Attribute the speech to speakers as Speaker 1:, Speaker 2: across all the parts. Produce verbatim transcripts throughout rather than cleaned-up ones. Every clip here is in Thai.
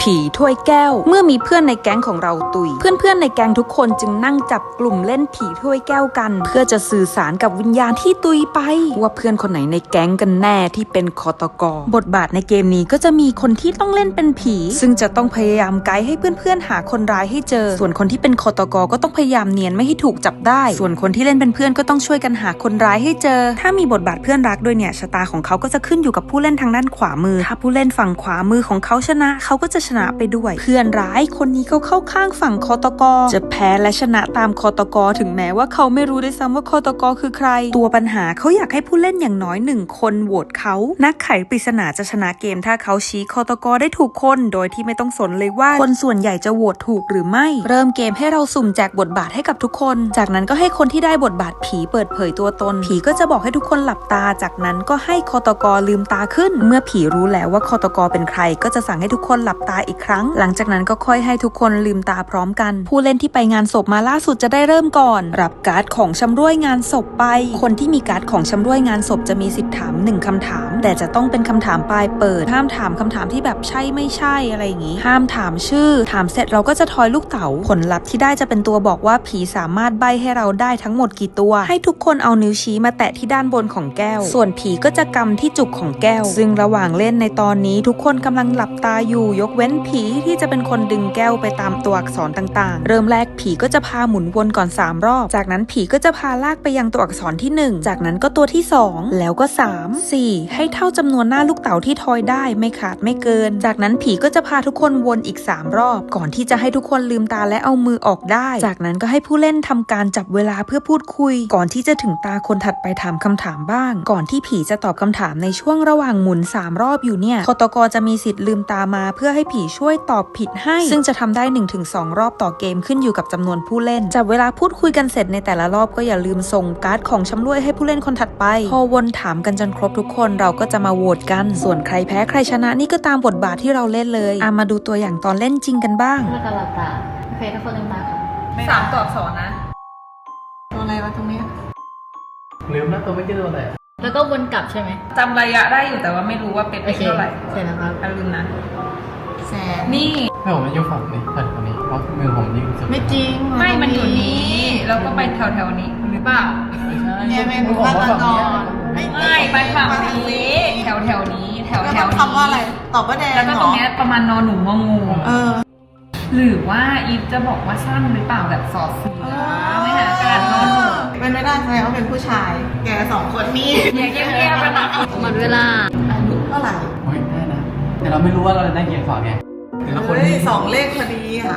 Speaker 1: ผีถ้วยแก้วเมื่อมีเพื่อนในแก๊งของเราตุยเพื่อนๆในแก๊งทุกคนจึงนั่งจับกลุ่มเล่นผีถ้วยแก้วกันเพื่อจะสื่อสารกับวิญญาณที่ตุยไปว่าเพื่อนคนไหนในแก๊งกันแน่ที่เป็นฆาตกรบทบาทในเกมนี้ก็จะมีคนที่ต้องเล่นเป็นผีซึ่งจะต้องพยายามไกด์ให้เพื่อนๆหาคนร้ายให้เจอส่วนคนที่เป็นฆาตกรก็ต้องพยายามเนียนไม่ให้ถูกจับได้ส่วนคนที่เล่นเป็นเพื่อนก็ต้องช่วยกันหาคนร้ายให้เจอถ้ามีบทบาทเพื่อนรักด้วยเนี่ยชะตาของเขาก็จะขึ้นอยู่กับผู้เล่นทางด้านขวามือถ้าผู้เล่นฝั่งขวามือของเขาชนะเขาก็จะชนะไปด้วยเพื่อนร้ายคนนี้เขาเข้าข้างฝั่งฆาตกรจะแพ้และชนะตามฆาตกรถึงแม้ว่าเขาไม่รู้ด้วยซ้ำว่าฆาตกรคือใครตัวปัญหาเขาอยากให้ผู้เล่นอย่างน้อยหนึ่งคนโหวตเขานักไขปริศนาจะชนะเกมถ้าเขาชี้ฆาตกรได้ถูกคนโดยที่ไม่ต้องสนเลยว่าคนส่วนใหญ่จะโหวตถูกหรือไม่เริ่มเกมให้เราสุ่มแจกบทบาทให้กับทุกคนจากนั้นก็ให้คนที่ได้บทบาทผีเปิดเผยตัวตนผีก็จะบอกให้ทุกคนหลับตาจากนั้นก็ให้ฆาตกรลืมตาขึ้นเมื่อผีรู้แล้วว่าฆาตกรเป็นใครก็จะสั่งให้ทุกคนหลับตาอีกครั้งหลังจากนั้นก็ค่อยให้ทุกคนลืมตาพร้อมกันผู้เล่นที่ไปงานศพมาล่าสุดจะได้เริ่มก่อนรับการ์ดของชำร่วยงานศพไปคนที่มีการ์ดของชำร่วยงานศพจะมีสิทธิ์ถามหนึ่งคำถามแต่จะต้องเป็นคำถามปลายเปิดห้ามถามคำถามที่แบบใช่ไม่ใช่อะไรอย่างงี้ห้ามถามชื่อถามเสร็จเราก็จะทอยลูกเต๋าผลลัพธ์ที่ได้จะเป็นตัวบอกว่าผีสามารถใบ้ให้เราได้ทั้งหมดกี่ตัวให้ทุกคนเอานิ้วชี้มาแตะที่ด้านบนของแก้วส่วนผีก็จะกำที่จุกของแก้วซึ่งระหว่างเล่นในตอนนี้ทุกคนกำลังหลับตาอยู่ยกเว้นผีที่จะเป็นคนดึงแก้วไปตามตัวอักษรต่างๆเริ่มแรกผีก็จะพาหมุนวนก่อนสามรอบจากนั้นผีก็จะพาลากไปยังตัวอักษรที่หนึ่งจากนั้นก็ตัวที่สองแล้วก็สาม สี่ให้เท่าจำนวนหน้าลูกเต๋าที่ทอยได้ไม่ขาดไม่เกินจากนั้นผีก็จะพาทุกคนวนอีกสามรอบก่อนที่จะให้ทุกคนลืมตาและเอามือออกได้จากนั้นก็ให้ผู้เล่นทำการจับเวลาเพื่อพูดคุยก่อนที่จะถึงตาคนถัดไปถามคำถามบ้างก่อนที่ผีจะตอบคำถามในช่วงระหว่างหมุนสามรอบอยู่เนี่ยฆาตกรจะมีสิทธิ์ลืมตามาเพื่อให้ผีช่วยตอบผิดให้ซึ่งจะทำได้ หนึ่งถึงสอง รอบต่อเกมขึ้นอยู่กับจำนวนผู้เล่นจับเวลาพูดคุยกันเสร็จในแต่ละรอบก็อย่าลืมส่งการ์ดของชำร่วยให้ผู้เล่นคนถัดไปพอวนถามกันจนครบทุกคนเราก็จะมาโหวตกันส่วนใครแพ้ใครชนะนี่ก็ตามบทบาทที่เราเล่นเลยอ่ะมาดูตัวอย่างตอนเล่นจริงกันบ้าง
Speaker 2: เมื่อการหลับตาโอเคทุกคนลืมตาค่ะ
Speaker 1: สามตัวอักษรนะ
Speaker 3: ตัวอะไรวะตรงนี้
Speaker 4: ลืมนะตัวไม่ใช่ตัวอะไร
Speaker 2: แล้วก็วนกลับใช่ไหม
Speaker 1: จำระยะได้อยู่แต่ว่าไม่รู้ว่าเป็น
Speaker 2: โอเค
Speaker 1: เท่าไหร่
Speaker 2: เสร็จแล้วครับ
Speaker 1: อย่าลืมนะ
Speaker 3: แสน
Speaker 1: นี่
Speaker 4: ไม่ผมมันอยู่ฝั่งนี้ฝั่งฝั่งนี้เพราะมือผมยิ่งสุด
Speaker 3: ไม่จริง
Speaker 1: ไม่มันอยู่นี้แล้วก็ไปแถวๆนี้หรือเปล่า
Speaker 4: ไม่ใช่
Speaker 3: เนี่ยเป็น
Speaker 4: ผม
Speaker 3: ฆา
Speaker 4: ว่า
Speaker 3: ต
Speaker 4: ฝั่ง
Speaker 3: ก
Speaker 4: นี้
Speaker 3: รไม่
Speaker 1: ไม่ไปฝั่งนี้แถวๆนี้แถว
Speaker 3: แล้ว
Speaker 1: ๆ
Speaker 3: ต้อง
Speaker 1: นี้
Speaker 3: คำว่าอะไรตอบว่าแดง
Speaker 1: แล้วก็
Speaker 3: เห
Speaker 1: ต
Speaker 3: ร
Speaker 1: รง
Speaker 3: อ
Speaker 1: เนี้ยประมาณนอนหนูงองู
Speaker 3: เออ
Speaker 1: หรือว่าอีฟจะบอกว่าสั้นหรือเปล่าแบบสอดเสือไม่หาการนอนหนู
Speaker 3: เป็นไม่ได้แสดงว่าเป็นผู้ชาย แกสองคนนี้
Speaker 1: เงียบเงียบๆกันนะ
Speaker 2: หมดเวลา
Speaker 3: อายุเท่าไหร่
Speaker 4: เฮ้ยได้นะแต่เราไม่รู้ว่าเราจะได้กี่อักษรไงแต่ละคน
Speaker 3: เฮ้ยสองเลขพอดีค่ะ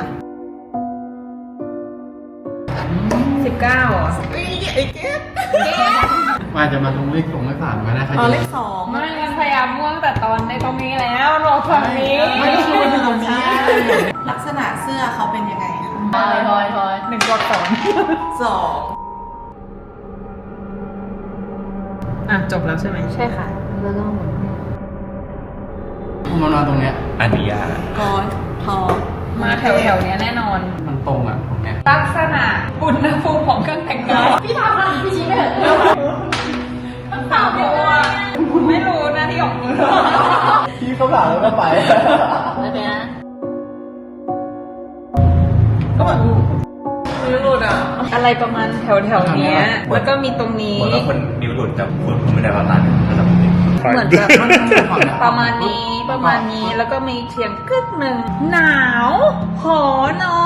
Speaker 1: สิบเก้าอ่ะ
Speaker 3: เฮ้ยไอ้เก็บ
Speaker 4: มันอาจจะมาตรงเลขสองเลขสามก็ได้ใคร
Speaker 3: อ๋อ
Speaker 4: จะ
Speaker 3: เลขสอง
Speaker 1: ไม่มันพยายามม่วงแต่ตอนในตรงนี้แล้วรอฝั่งนี้
Speaker 4: ไม่ใช่เป็นตรงนี้
Speaker 3: ลักษณะเสื้อเขาเป็นยังไงคะ
Speaker 2: ทอยทอยทอย
Speaker 1: หนึ่งตัวอักษร
Speaker 3: สอง
Speaker 1: อ่ะจบแล้วใช่ไหม
Speaker 2: ใช่ค่ะ แล้วก็หมุน
Speaker 4: ผมมานอนตรงเนี้ย
Speaker 5: อันนี้ยาก
Speaker 3: กอนทอ
Speaker 1: มาแถวแถวๆเนี้ยแน่นอน
Speaker 4: มันตรงอ่ะตรงเนี้ย
Speaker 1: ลักษณะอุณหภูมิของเครื่องแต่งกายพี่ทำอะไรพี่ชี้ไม่เห็นต้องตอบอยู่อ่ะคุณไม่รู้นะที่ของคุณ
Speaker 4: พี่เขาถามแล้วก็ไป
Speaker 2: โอเคนะ
Speaker 3: ก็แบบไม่รู้อ่ะ
Speaker 1: อะไรประมาณแถวแถวๆเนี้ยแล้วก็มีตรงนี้
Speaker 5: ผมว่าคนนิ้วหลุดแต่คุณคุณไม่ได้ว่าตันระดับนี้
Speaker 1: เหมือนแบบประมาณนี้ประมาณนี้แล้วก็มีเสียงกึกหนึ่งหนาวหอนอ